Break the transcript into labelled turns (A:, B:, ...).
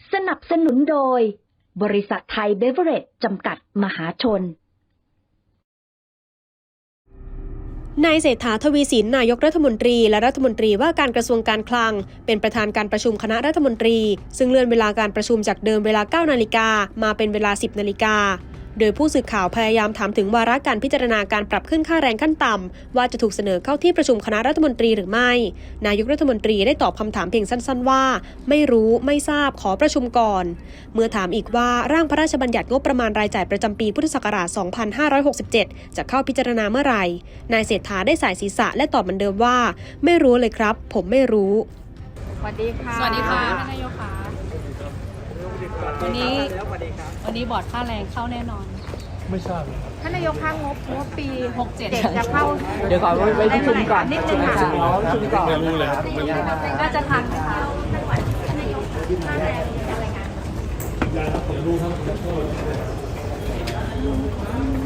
A: สนับสนุนโดยบริษัทไทยเบเวอเรจจำกัดมหาชน
B: นายเศรษฐา ทวีสิน นายกรัฐมนตรีและรัฐมนตรีว่าการกระทรวงการคลังเป็นประธานการประชุมคณะรัฐมนตรีซึ่งเลื่อนเวลาการประชุมจากเดิมเวลา 9 นาฬิกามาเป็นเวลา 10 นาฬิกาโดยผู้สื่อข่าวพยายามถามถึงวาระการพิจารณาการปรับขึ้นค่าแรงขั้นต่ำว่าจะถูกเสนอเข้าที่ประชุมคณะรัฐมนตรีหรือไม่นายกรัฐมนตรีได้ตอบคำถามเพียงสั้นๆว่าไม่รู้ไม่ทราบขอประชุมก่อนเมื่อถามอีกว่าร่างพระราชบัญญัติงบประมาณรายจ่ายประจำปีพุทธศักราช 2567 จะเข้าพิจารณาเมื่อไหร่นายเศรษฐาได้สายศีรษะและตอบเหมือนเดิมว่าไม่รู้เลยครับผมไม่รู้
C: สวัสดีค่ะ
D: สวัสดีค่ะท่านนายกค่ะวันนี้บอร์ดค่าแรงเข้าแน่นอน
E: ไม่ทราบ
C: ท่านนายกคะงบปี
D: 67
C: จะเข้า
F: เดี๋ยวขอไปประชุมก่อน
C: นิดนึงค่ะ
F: ประชุมก่อน
E: ไม่รู้เลยครับ
D: น่าจะทันไหมคะ
E: ผมรู้ครับ